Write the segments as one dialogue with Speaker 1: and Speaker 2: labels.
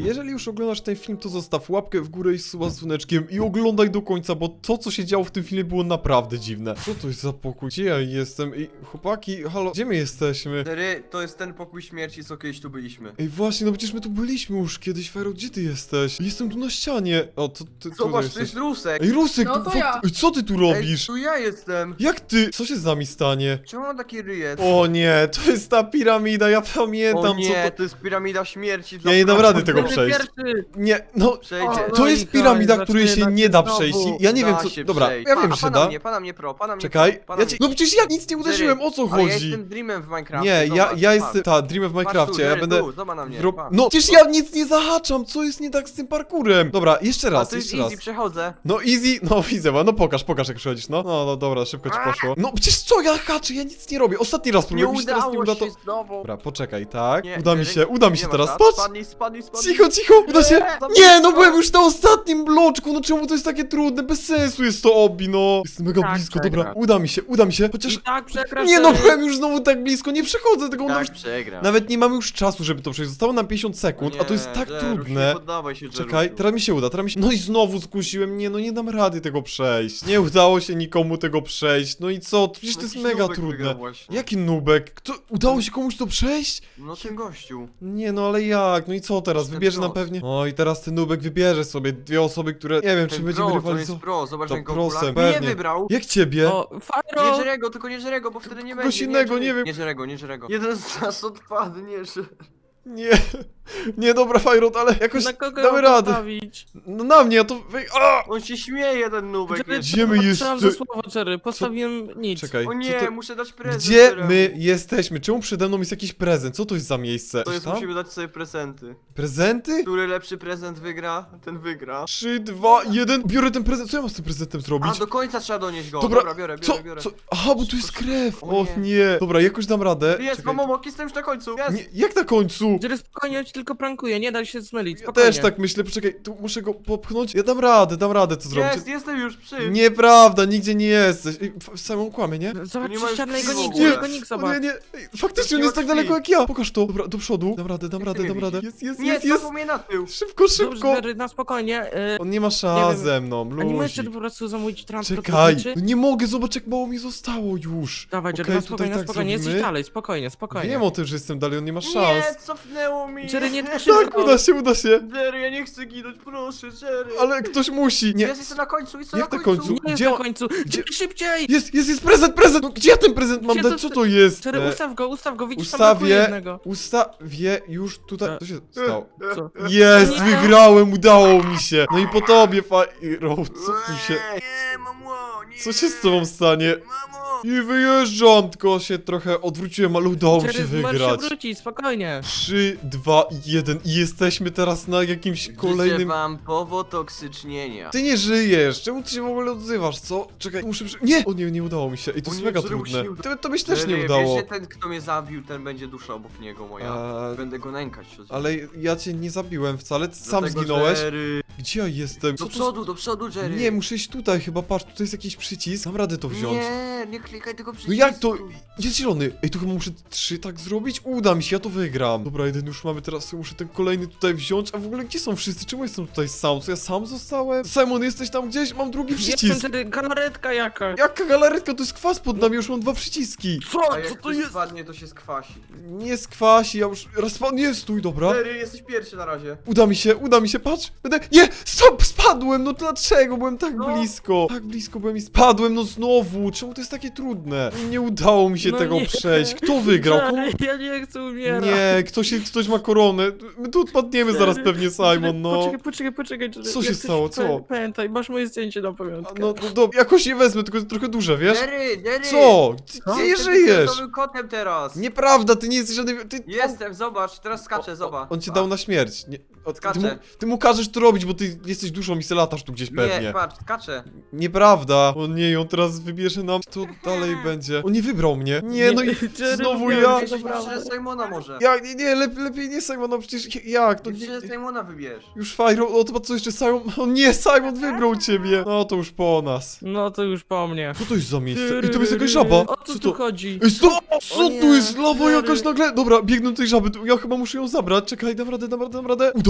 Speaker 1: jeżeli już oglądasz ten film, to zostaw łapkę w górę i suba z dzwoneczkiem i oglądaj do końca, bo to, co się działo w tym filmie, było naprawdę dziwne. Co to jest za pokój? Gdzie ja jestem? Ej, chłopaki, halo, gdzie my jesteśmy?
Speaker 2: Jerry, to jest ten pokój śmierci, co kiedyś tu byliśmy.
Speaker 1: Ej, właśnie, no przecież my tu byliśmy już kiedyś, Fajro, gdzie ty jesteś? Jestem tu na ścianie. O, to ty
Speaker 2: Zobacz, to
Speaker 1: jesteś.
Speaker 2: jest Rusek.
Speaker 1: Ej, Rusek,
Speaker 3: No to ja.
Speaker 1: Ej, co ty tu
Speaker 2: Ej,
Speaker 1: robisz?
Speaker 2: tu ja jestem.
Speaker 1: Jak ty? Co się z nami stanie?
Speaker 2: Czemu mam taki ryjet?
Speaker 1: O nie, to jest ta piramida, ja pamiętam,
Speaker 2: O nie,
Speaker 1: co to...
Speaker 2: to jest piramida śmierci.
Speaker 1: Ja nie dam rady tego
Speaker 3: Będę
Speaker 1: przejść.
Speaker 3: pierwszy.
Speaker 1: Nie, no...
Speaker 2: Przejdzie.
Speaker 3: O,
Speaker 1: To
Speaker 3: no
Speaker 1: jest
Speaker 3: i
Speaker 1: piramida,
Speaker 3: to,
Speaker 1: której się
Speaker 3: zaczyna
Speaker 1: nie
Speaker 3: się
Speaker 1: da
Speaker 3: znowu.
Speaker 1: przejść. Ja nie wiem,
Speaker 2: Da
Speaker 1: co...
Speaker 2: się
Speaker 1: Dobra,
Speaker 2: przejść.
Speaker 1: ja wiem, że się da.
Speaker 2: Pana mnie pro.
Speaker 1: Czekaj,
Speaker 2: Pana
Speaker 1: ja
Speaker 2: mnie.
Speaker 1: ci... No przecież ja nic nie uderzyłem, o co
Speaker 2: Ale ja
Speaker 1: chodzi?
Speaker 2: jestem Dreamem w Minecrafcie.
Speaker 1: Nie,
Speaker 2: zobacz,
Speaker 1: ja
Speaker 2: patrz.
Speaker 1: jestem... Ta, Dream w
Speaker 2: Patrz
Speaker 1: Minecrafcie,
Speaker 2: tu,
Speaker 1: ja
Speaker 2: Jerry,
Speaker 1: będę...
Speaker 2: tu, zobacz na mnie. patrz.
Speaker 1: No, przecież ja nic nie zahaczam, co jest nie tak z tym parkurem? Dobra, jeszcze
Speaker 2: A
Speaker 1: raz,
Speaker 2: to jest
Speaker 1: jeszcze raz.
Speaker 2: easy, przechodzę.
Speaker 1: No easy, no widzę, no pokaż jak przychodzisz, no. No, dobra, szybko ci poszło. No przecież co, ja haczę, ja nic nie robię. Ostatni raz
Speaker 2: Nie
Speaker 1: próbuję, mi się teraz nie
Speaker 2: udało
Speaker 1: uda, to...
Speaker 2: się znowu.
Speaker 1: Dobra, poczekaj, tak?
Speaker 2: Nie,
Speaker 1: Uda mi
Speaker 2: Jerry,
Speaker 1: się, uda mi się
Speaker 2: nie
Speaker 1: teraz,
Speaker 2: masz
Speaker 1: patrz!
Speaker 2: rad. Spadnij.
Speaker 1: Cicho, uda się!
Speaker 2: Nie,
Speaker 1: Nie, no byłem już na ostatnim bloczku, no czemu to jest takie trudne? Bez sensu jest to obi, no. Jestem mega
Speaker 3: Tak,
Speaker 1: blisko,
Speaker 3: przegra.
Speaker 1: dobra, uda mi się, chociaż...
Speaker 3: I tak przegrasz.
Speaker 1: Nie no,
Speaker 3: Jerry.
Speaker 1: byłem już znowu tak blisko, nie przechodzę tego, no już...
Speaker 2: Tak, przegram.
Speaker 1: Nawet nie mamy już czasu, żeby to przejść, zostało nam 50 sekund, a to jest tak trudne.
Speaker 2: Nie poddawaj się,
Speaker 1: Czekaj,
Speaker 2: Jerusiu.
Speaker 1: teraz mi się uda, No i znowu skusiłem, nie, no nie dam rady tego przejść. Nie udało się nikomu tego przejść, no i co? Przecież to jest
Speaker 2: Jakiś
Speaker 1: mega
Speaker 2: nubek
Speaker 1: trudne.
Speaker 2: wygrał właśnie.
Speaker 1: Jaki nubek? Kto? Udało się komuś to przejść?
Speaker 2: No ten gościu.
Speaker 1: Nie no, ale jak? No i co teraz?
Speaker 2: Ten
Speaker 1: Wybierze nam
Speaker 2: pros.
Speaker 1: pewnie... O i teraz ten nubek wybierze sobie dwie osoby, które... Nie wiem, czy
Speaker 2: Ten
Speaker 1: będziemy
Speaker 2: pro, to jest
Speaker 1: rywalizować.
Speaker 2: pro, zobacz
Speaker 1: To
Speaker 2: ten
Speaker 1: prosem,
Speaker 2: okular.
Speaker 1: pewnie.
Speaker 2: Nie wybrał.
Speaker 1: Jak ciebie?
Speaker 3: O,
Speaker 2: Nie
Speaker 3: Fajro.
Speaker 2: Jerego, tylko nie Jerego, bo wtedy nie
Speaker 1: Kogoś
Speaker 2: będzie.
Speaker 1: innego, nie wiem.
Speaker 2: Nie Jerego. Jeden z nas odpadnie, że...
Speaker 1: Nie. Nie, dobra, Fajrot, ale jakoś
Speaker 3: Na kogo
Speaker 1: damy
Speaker 3: ją
Speaker 1: radę.
Speaker 3: postawić?
Speaker 1: No na mnie, to... A!
Speaker 2: On się śmieje, ten nubek.
Speaker 3: Jerry,
Speaker 2: jeszcze.
Speaker 1: Gdzie my
Speaker 3: Trzymam
Speaker 1: jest-
Speaker 3: za słowo, Jerry. Postawiłem nic.
Speaker 1: Czekaj,
Speaker 2: O
Speaker 1: co
Speaker 2: nie,
Speaker 1: to...
Speaker 2: muszę dać prezent.
Speaker 1: Gdzie
Speaker 2: Jeremu.
Speaker 1: my jesteśmy? Czemu przede mną jest jakiś prezent? Co to jest za miejsce?
Speaker 2: To jest,
Speaker 1: Tam?
Speaker 2: musimy dać sobie prezenty.
Speaker 1: Prezenty?
Speaker 2: Który lepszy prezent wygra, ten wygra.
Speaker 1: 3, 2, 1. Biorę ten prezent. Co ja mam z tym prezentem zrobić?
Speaker 2: A do końca trzeba donieść go.
Speaker 1: Dobra,
Speaker 2: Dobra, biorę.
Speaker 1: Co? Aha, bo tu jest krew.
Speaker 2: O
Speaker 1: O
Speaker 2: nie.
Speaker 1: nie. Dobra, jakoś dam radę.
Speaker 2: Jest,
Speaker 1: Czekaj.
Speaker 2: Momok, jestem już na końcu. Jest.
Speaker 1: Nie, jak na końcu?
Speaker 3: Jerry, spokojnie, on ci tylko prankuje, nie da się zmylić,
Speaker 1: Ja
Speaker 3: spokojnie.
Speaker 1: też tak myślę, poczekaj, tu muszę go popchnąć. Ja dam radę to zrobić.
Speaker 2: Jestem już przy.
Speaker 1: Nieprawda, nigdzie nie jesteś. Ej, Samą kłamie, nie?
Speaker 3: Zobacz,
Speaker 2: Nie ma już
Speaker 3: ścianę jego
Speaker 2: krwi w
Speaker 3: nikt,
Speaker 2: ogóle.
Speaker 3: jego nikt,
Speaker 1: O
Speaker 3: zobacz.
Speaker 1: nie. Ej, faktycznie on
Speaker 2: Nie
Speaker 1: jest
Speaker 2: ma
Speaker 1: tak
Speaker 2: krwi.
Speaker 1: daleko jak ja. Pokaż to. Dobra, do przodu. Dam radę.
Speaker 2: Nie
Speaker 1: Jest.
Speaker 2: znowu mnie na tył.
Speaker 1: Szybko.
Speaker 3: Dobrze, Jerry, na spokojnie.
Speaker 1: On nie ma szans
Speaker 3: Nie wiem.
Speaker 1: ze mną,
Speaker 3: A nie możesz
Speaker 1: luzik.
Speaker 3: po prostu zamówić transport
Speaker 1: Czekaj,
Speaker 3: lotniczy?
Speaker 1: no nie mogę, zobacz jak mało mi zostało już.
Speaker 3: Dawaj, Jerry,
Speaker 1: Okej,
Speaker 3: na
Speaker 1: tutaj
Speaker 3: spokojnie,
Speaker 1: tak
Speaker 3: jesteś
Speaker 1: zrobimy.
Speaker 3: dalej, spokojnie.
Speaker 1: Wiem o tym, że jestem dalej, on nie ma szans.
Speaker 2: Nie, cofnęło mi.
Speaker 3: Jerry, nie tak
Speaker 1: Tak,
Speaker 3: szybko.
Speaker 1: uda się.
Speaker 2: Jerry, ja nie chcę ginąć, proszę, Jerry.
Speaker 1: Ale ktoś musi. Nie.
Speaker 2: Jestem na końcu, jestem
Speaker 1: Jak
Speaker 2: na
Speaker 1: na
Speaker 2: końcu.
Speaker 1: końcu?
Speaker 3: Nie jest
Speaker 1: Gdzie
Speaker 3: na
Speaker 1: on-
Speaker 3: końcu.
Speaker 1: gdzie-
Speaker 3: Jerry, szybciej!
Speaker 1: Jest prezent! No gdzie ja ten prezent mam
Speaker 3: Gdzie
Speaker 1: dać?
Speaker 3: to-
Speaker 1: Co to jest?
Speaker 3: Jerry,
Speaker 1: E,
Speaker 3: ustaw go, widzisz, tam brakuje jednego.
Speaker 1: Ustawię już tutaj. Co się stało?
Speaker 3: Co?
Speaker 1: Jest,
Speaker 3: Nie.
Speaker 1: wygrałem, udało mi się. No i po tobie, Fajro, co tu się...
Speaker 2: Nie, mamo, nie.
Speaker 1: Co się z tobą stanie?
Speaker 2: Mamo.
Speaker 1: I wyjeżdżam, tylko się trochę odwróciłem, ale udało mi się
Speaker 3: Jerry, możesz się
Speaker 1: wygrać.
Speaker 3: wrócić, spokojnie.
Speaker 1: 3, 2, 1 i jesteśmy teraz na jakimś
Speaker 2: Życzę
Speaker 1: kolejnym...
Speaker 2: wam powotoksycznienia.
Speaker 1: Ty nie żyjesz, czemu ty się w ogóle odzywasz, co? Czekaj, muszę Nie! O nie, nie udało mi się. Ej, to
Speaker 2: O
Speaker 1: jest
Speaker 2: nie,
Speaker 1: mega
Speaker 2: czemu się
Speaker 1: trudne.
Speaker 2: nie uda-
Speaker 1: To mi się też nie
Speaker 2: Jerry,
Speaker 1: udało.
Speaker 2: Wiesz, że ten, kto mnie zabił, ten będzie dusza obok niego moja. Będę go nękać.
Speaker 1: Ale ja cię nie zabiłem wcale, ty sam
Speaker 2: Dlatego,
Speaker 1: zginąłeś.
Speaker 2: Jerry.
Speaker 1: Gdzie ja jestem? Co
Speaker 2: Do przodu, Jerry.
Speaker 1: Nie, muszę iść tutaj chyba, patrz, tutaj jest jakiś przycisk, mam radę to wziąć.
Speaker 2: Nie klikaj tego
Speaker 1: No
Speaker 2: przycisku.
Speaker 1: jak to? Jest zielony. Ej, tu chyba muszę 3 tak zrobić? Uda mi się, ja to wygram. Dobra, jeden już mamy, teraz muszę ten kolejny tutaj wziąć. A w ogóle gdzie są wszyscy? Czemu jestem tutaj sam? Co ja sam zostałem? Simon, jesteś tam gdzieś? Mam drugi przycisk.
Speaker 3: Jestem, Jerry, galaretka jakaś.
Speaker 1: Jaka galaretka? To jest kwas pod nami, już mam 2 przyciski.
Speaker 3: Co?
Speaker 2: A jak
Speaker 3: Co to
Speaker 2: ktoś
Speaker 3: jest?
Speaker 2: spadnie, to się skwasi.
Speaker 1: Nie skwasi, ja już... Raz pan... Nie, stój, dobra.
Speaker 2: Jerry, jesteś pierwszy na razie.
Speaker 1: Uda mi się, patrz. Będę... Nie! Stop! Spadłem! No dlaczego? Byłem tak
Speaker 2: No.
Speaker 1: blisko. Tak blisko byłem i spadłem, no znowu. Czemu to jest takie trudne? Nie udało mi się
Speaker 3: No
Speaker 1: tego
Speaker 3: nie.
Speaker 1: przejść. Kto wygrał? Komu...
Speaker 3: Jerry, ja nie chcę umierać.
Speaker 1: Nie, ktoś ma koronę. My tu odpadniemy zaraz pewnie, Simon, no.
Speaker 3: Poczekaj, Jerry.
Speaker 1: Co się stało, co?
Speaker 3: Pamiętaj, masz moje zdjęcie na pamiątkę.
Speaker 1: No, jakoś je wezmę, tylko jest trochę duże, wiesz?
Speaker 2: Jerry!
Speaker 1: Co? Ty
Speaker 2: Ja
Speaker 1: nie
Speaker 2: jestem
Speaker 1: żyjesz!
Speaker 2: fioletowym kotem teraz!
Speaker 1: Nieprawda, ty nie jesteś żadnym... Ty...
Speaker 2: Jestem, zobacz, teraz skaczę, zobacz.
Speaker 1: On cię dał na śmierć. Nie,
Speaker 2: Skaczę.
Speaker 1: ty mu każesz to robić, bo ty jesteś duszą i se latasz tu gdzieś pewnie.
Speaker 2: Nie, patrz, skaczę.
Speaker 1: Nieprawda. O nie, on teraz wybierze nam, co dalej będzie. On nie wybrał mnie. Nie, no i
Speaker 3: Jerry,
Speaker 1: znowu
Speaker 3: nie,
Speaker 1: ja.
Speaker 3: nie,
Speaker 2: Wybierz
Speaker 3: dobra.
Speaker 2: Simona może.
Speaker 1: Jak, nie, lepiej nie Simon, no przecież jak? To
Speaker 2: Wybierz Simona wybierz.
Speaker 1: już Fajro, o to co jeszcze Simon? O nie, Simon wybrał ciebie. No to już po nas.
Speaker 3: No to już po mnie.
Speaker 1: Co to jest za miejsce? Ej, to jest jakaś żaba.
Speaker 3: O co tu chodzi?
Speaker 1: Ej, co
Speaker 2: nie,
Speaker 1: tu jest? Lawa
Speaker 3: Jerry.
Speaker 1: jakaś nagle. Dobra, biegnę do tej żaby. Ja chyba muszę ją zabrać. Czekaj, dam radę. Udało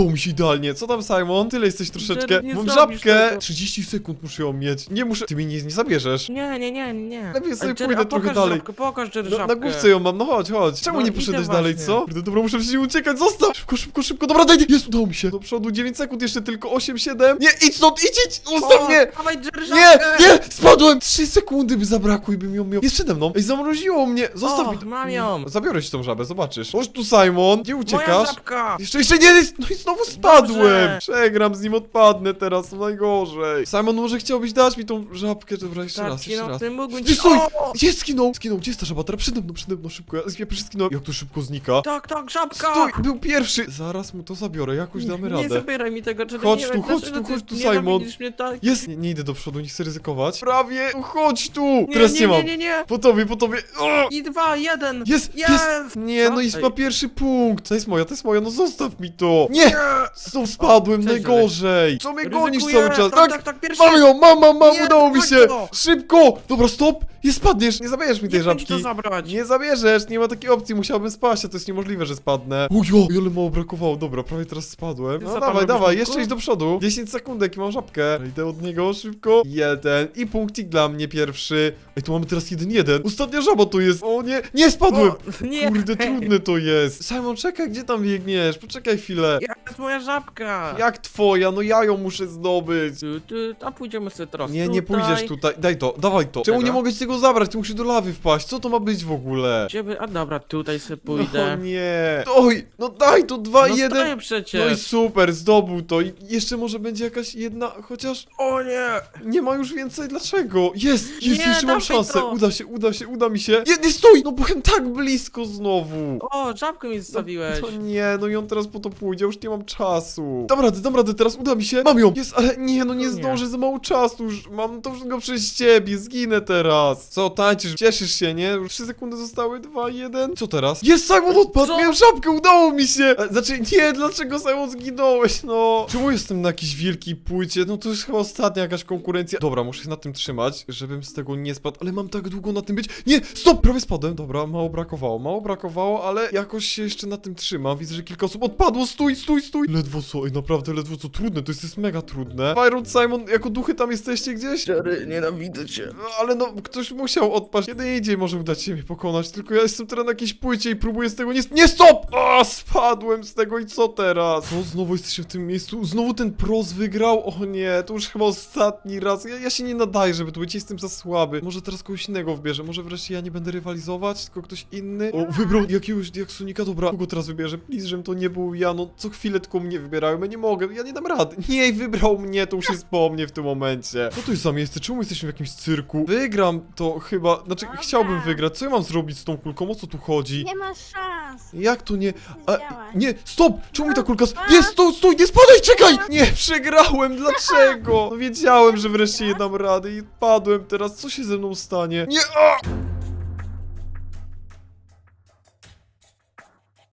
Speaker 1: udało mi się idealnie. Co tam, Simon? Tyle jesteś troszeczkę.
Speaker 3: Jerry, nie
Speaker 1: Mam
Speaker 3: zrobisz
Speaker 1: żabkę.
Speaker 3: tego.
Speaker 1: 30 sekund muszę ją mieć. Nie muszę. Ty mi nie zabierzesz.
Speaker 3: Nie.
Speaker 1: Lepiej sobie
Speaker 3: Ale Jerry,
Speaker 1: pójdę
Speaker 3: a
Speaker 1: trochę
Speaker 3: pokaż
Speaker 1: dalej.
Speaker 3: Żabkę, pokaż Jerry
Speaker 1: Na
Speaker 3: żabkę.
Speaker 1: główce ją mam, no chodź. Czemu
Speaker 3: No,
Speaker 1: nie
Speaker 3: idę
Speaker 1: poszedłeś dalej,
Speaker 3: właśnie.
Speaker 1: co? Kurde, dobra, muszę przecież uciekać, zostaw! Szybko. Dobra, daj, jest, udało mi się. Do przodu 9 sekund, jeszcze tylko 8, 7. Nie, idź stąd, idź! Ustaw mnie!
Speaker 3: Dawaj Jerry
Speaker 1: Nie,
Speaker 3: żabkę!
Speaker 1: nie, spadłem! 3 sekundy by zabrakło i bym ją miał. Jest przede mną. Ej, zamroziło mnie. Zostaw
Speaker 3: O,
Speaker 1: mi.
Speaker 3: mam ją.
Speaker 1: Zabiorę ci tą żabę, zobaczysz. Chodź tu, Simon. Gdzie
Speaker 3: Moja
Speaker 1: uciekasz?
Speaker 3: żabka!
Speaker 1: Jeszcze nie, no i znowu spadłem!
Speaker 3: Dobrze.
Speaker 1: Przegram z nim, odpadnę teraz, to najgorzej. Simon, może chciałbyś dać mi tą żabkę? Dobra, jeszcze raz.
Speaker 3: Ty mógłbym
Speaker 1: Nie, stój!
Speaker 3: O!
Speaker 1: Gdzie skinął? Gdzie jest ta żaba? Teraz przede mną, szybko. Ja pierwszy skinąłem. Jak to szybko znika?
Speaker 3: Tak, żabka!
Speaker 1: Stój! Był pierwszy! Zaraz mu to zabiorę, jakoś damy
Speaker 3: Nie
Speaker 1: radę.
Speaker 3: zabieraj mi tego, Jerry,
Speaker 1: Chodź
Speaker 3: nie
Speaker 1: tu,
Speaker 3: wiem,
Speaker 1: chodź
Speaker 3: dlaczego
Speaker 1: tu, chodź tu,
Speaker 3: ty
Speaker 1: Simon.
Speaker 3: nienawidzisz mnie tak.
Speaker 1: Jest! Nie idę do przodu, nie chcę ryzykować. Prawie! Chodź tu! Teraz nie mam.
Speaker 3: Nie.
Speaker 1: Po tobie. O!
Speaker 3: I 2, 1.
Speaker 1: Jest! Nie,
Speaker 3: Co?
Speaker 1: no i
Speaker 3: Ej.
Speaker 1: ma pierwszy punkt. To jest moja, no zostaw mi to. Nie! Znów spadłem,
Speaker 3: Cześć,
Speaker 1: najgorzej. Co mnie gonisz
Speaker 3: Ryzykuję.
Speaker 1: cały czas?
Speaker 3: Tak, pierwszy.
Speaker 1: Mam ją, mam,
Speaker 3: Nie,
Speaker 1: udało mi
Speaker 3: chodź
Speaker 1: się!
Speaker 3: to.
Speaker 1: Szybko! Dobra, stop! Nie spadniesz, nie zabierzesz mi tej
Speaker 3: Nie będzie
Speaker 1: żabki.
Speaker 3: to zabrać.
Speaker 1: Nie zabierzesz, nie ma takiej opcji, musiałbym spaść, a to jest niemożliwe, że spadnę. Ujo, ile mało brakowało, dobra, prawie teraz spadłem.
Speaker 3: Ty
Speaker 1: No
Speaker 3: co tam
Speaker 1: dawaj,
Speaker 3: robisz,
Speaker 1: jeszcze
Speaker 3: Niko?
Speaker 1: idź do przodu. 10 sekundek i mam żabkę. Idę od niego szybko. 1 i punkcik dla mnie pierwszy. Ej, tu mamy teraz 1-1. Ostatnia żaba tu jest. O nie, nie spadłem!
Speaker 3: O, nie.
Speaker 1: Kurde, trudne to jest. Simon, czekaj, gdzie tam biegniesz? Poczekaj chwilę.
Speaker 3: Jest moja żabka.
Speaker 1: Jak twoja? No ja ją muszę zdobyć.
Speaker 3: A pójdziemy sobie teraz
Speaker 1: Nie pójdziesz tutaj. Daj to, dawaj to. Czemu
Speaker 3: Czego?
Speaker 1: nie mogę ci tego zabrać? Ty musisz do lawy wpaść. Co to ma być w ogóle?
Speaker 3: A dobra, tutaj sobie
Speaker 1: No
Speaker 3: pójdę.
Speaker 1: nie. Oj, no daj to 2
Speaker 3: No
Speaker 1: 1.
Speaker 3: stoję
Speaker 1: No i
Speaker 3: przecież.
Speaker 1: super, zdobył to. I jeszcze może będzie jakaś jedna, chociaż
Speaker 3: O nie.
Speaker 1: nie ma już więcej. Dlaczego? Jest,
Speaker 3: Nie,
Speaker 1: jeszcze mam
Speaker 3: dawaj
Speaker 1: szansę.
Speaker 3: to.
Speaker 1: Uda mi się. Nie, stój! No byłem tak blisko znowu.
Speaker 3: O, żabkę mi zostawiłeś.
Speaker 1: No nie, no i on teraz po to pójdzie, już nie mam czasu. Dam radę, teraz uda mi się. Mam ją! Jest, ale nie, no nie
Speaker 3: Nie.
Speaker 1: zdążę, za mało czasu już. Mam to wszystko przez ciebie, zginę teraz. Co, tańczysz, cieszysz się, nie? Już 3 sekundy zostały, 2, 1. Co teraz? Jest, Simon odpadł,
Speaker 3: Co?
Speaker 1: miałem żabkę, udało mi się! Znaczy, nie, dlaczego, Simon, zginąłeś, no? Czemu jestem na jakiejś wielkiej płycie? No to już chyba ostatnia jakaś konkurencja. Dobra, muszę się na tym trzymać, żebym z tego nie spadł, ale mam tak długo na tym być. Nie, stop, prawie spadłem, dobra, mało brakowało, ale jakoś się jeszcze na tym trzymam. Widzę, że kilka osób odpadło, stój! Ledwo co, ej, naprawdę ledwo co, trudne, to jest mega trudne. Byron, Simon, jako duchy tam jesteście gdzieś?
Speaker 3: Jerry, nienawidzę cię.
Speaker 1: No, ale no, ktoś musiał odpaść. Kiedy indziej może udać się mnie pokonać, tylko ja jestem teraz na jakiejś płycie i próbuję z tego nie stop! A, spadłem z tego i co teraz? No, znowu jesteśmy w tym miejscu, znowu ten pros wygrał? O nie, to już chyba ostatni raz. Ja się nie nadaję, żeby tu być, jestem za słaby. Może teraz kogoś innego wybierze, może wreszcie ja nie będę rywalizować, tylko ktoś inny. O, wybrał jakiegoś Diaksonika, dobra, kogo teraz wybierze? Please, żebym to nie był ja, no co chwilę tylko mnie wybierają, ja nie mogę, ja nie dam rady. Nie, wybrał mnie, to już jest po mnie w tym momencie. Co to jest za miejsce? Czemu jesteśmy w jakimś cyrku? Wygram to chyba, znaczy
Speaker 4: Dobra.
Speaker 1: chciałbym wygrać. Co ja mam zrobić z tą kulką? O co tu chodzi?
Speaker 4: Nie masz szans.
Speaker 1: Jak to nie?
Speaker 4: Działa.
Speaker 1: Nie, stop! Czemu mi ta kulka... Nie, stój, nie spadaj, czekaj! Nie, przegrałem, dlaczego? No wiedziałem, że wreszcie nie dam rady i padłem teraz. Co się ze mną stanie? Nie,